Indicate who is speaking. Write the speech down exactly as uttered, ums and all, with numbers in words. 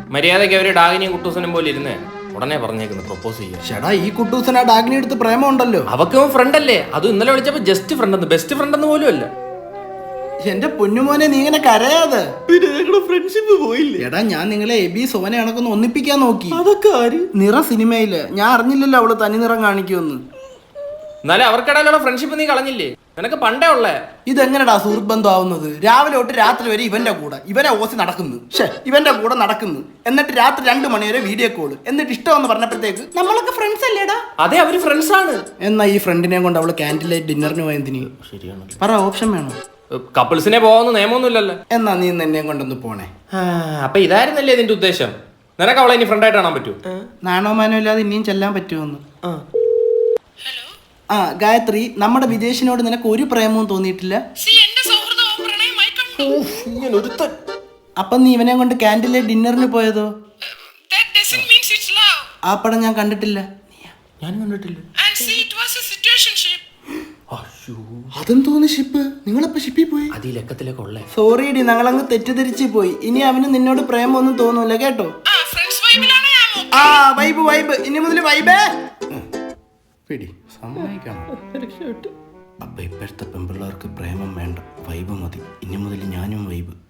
Speaker 1: മര്യാദയ്ക്ക് അവര് ഡാഗിനിയും കുട്ടൂസനും പോലെ ഇരുന്നേ ഉടനെ പറഞ്ഞേക്കുന്നു പ്രപ്പോസ് ചെയ്യാം.
Speaker 2: ചേട്ടാ ഈ കുട്ടൂസന ഡാഗ്നി എടുത്ത് പ്രേമം ഉണ്ടല്ലോ.
Speaker 1: അവക്ക് ഫ്രണ്ട് അല്ലേ? അത് ഇന്നലെ വിളിച്ചപ്പോ ജസ്റ്റ് ഫ്രണ്ട് എന്ന്, ബെസ്റ്റ് ഫ്രണ്ട് എന്ന് പോലും അല്ല.
Speaker 2: എന്റെ പൊന്നുമോനെ നീ ഇങ്ങനെ കരയാതെ.
Speaker 3: ഫ്രണ്ട്ഷിപ്പ് പോയില്ലേ?
Speaker 2: എടാ ഞാൻ നിങ്ങളെ എബി സോനെ കണക്കൊന്ന് ഒന്നിപ്പിക്കാൻ നോക്കി.
Speaker 3: അതൊക്കെ ആര്?
Speaker 2: നിറ സിനിമയില് ഞാൻ അറിഞ്ഞില്ലല്ലോ അവള് തനി നിറം കാണിക്കുമെന്ന്.
Speaker 1: എന്നാലും അവർക്കിടയിലുള്ള ഫ്രണ്ട്ഷിപ്പ് നീ കളഞ്ഞില്ലേ? നിനക്ക് പണ്ടേ ഉള്ളേ.
Speaker 2: ഇതെങ്ങനെടാ സുഹൃത്ത് ബന്ധം ആവുന്നത്? രാവിലെ തൊട്ട് രാത്രി വരെ ഇവന്റെ കൂടെ ഇവനെ ഓസി നടക്കുന്നു, ഷേ ഇവന്റെ കൂടെ നടക്കുന്നു, എന്നിട്ട് രാത്രി രണ്ടു മണി വരെ വീഡിയോ കോള്, എന്നിട്ട് ഇഷ്ടമെന്ന് പറഞ്ഞപ്പോഴത്തേക്ക് നമ്മളൊക്കെ ഫ്രണ്ട്സ് അല്ലേടാ.
Speaker 1: അതെ, അവര് ഫ്രണ്ട്സ് ആണ്.
Speaker 2: എന്നാ ഈ ഫ്രണ്ടിനെ കൊണ്ട് അവള് ക്യാൻറ്റീൻ ലൈറ്റ് ഡിന്നറിന് പോയതിന്
Speaker 1: ശരിയാണ്.
Speaker 2: പറ, ഓപ്ഷൻ വേണോ?
Speaker 1: കപ്പിൾസിനെ പോവാന്ന് നിയമമൊന്നുമില്ലല്ലോ.
Speaker 2: എന്നാ നീ എന്നെ കൊണ്ടൊന്ന് പോണേ.
Speaker 1: അപ്പൊ ഇതായിരുന്നല്ലേ നിന്റെ ഉദ്ദേശം? നിനക്ക് അവളെ ഇനി ഫ്രണ്ടായിട്ട് കാണാൻ പറ്റൂ?
Speaker 2: നാണോ മാനോ ഇല്ലാതെ ഇനിയും ചെല്ലാൻ പറ്റുമെന്ന്. ആ ഗായത്രി, നമ്മുടെ വിദേശിനോട് നിനക്ക് ഒരു പ്രേമവും തോന്നിയിട്ടില്ല? അപ്പൊ നീ ഇവനെ കൊണ്ട് ക്യാൻറ്റീൻ ലൈറ്റ് ഡിന്നറിന് പോയതോ? ആ പടം ഞാൻ കണ്ടിട്ടില്ല.
Speaker 1: ഞാൻ കണ്ടിട്ടില്ല.
Speaker 2: അതെന്തോന്ന് ഷിപ്പ്? നിങ്ങളപ്പോ ഷിപ്പിൽ പോയി?
Speaker 1: അത് ഈ ലക്കത്തിലേക്ക് ഉള്ളേ.
Speaker 2: സോറി ഡി, ഞങ്ങളങ്ങ് തെറ്റിദ്ധരിച്ച് പോയി. ഇനി അവന് നിന്നോട് പ്രേമൊന്നും തോന്നൂല കേട്ടോ. ആ വൈബ് വൈബ്, ഇനി മുതൽ വൈബേ പിടി സമ്മതിക്കണം. അപ്പൊ ഇപ്പോഴത്തെ പെൺപിള്ളേർക്ക് പ്രേമം വേണ്ട, വൈബ് മതി. ഇനി മുതൽ ഞാനും വൈബ്.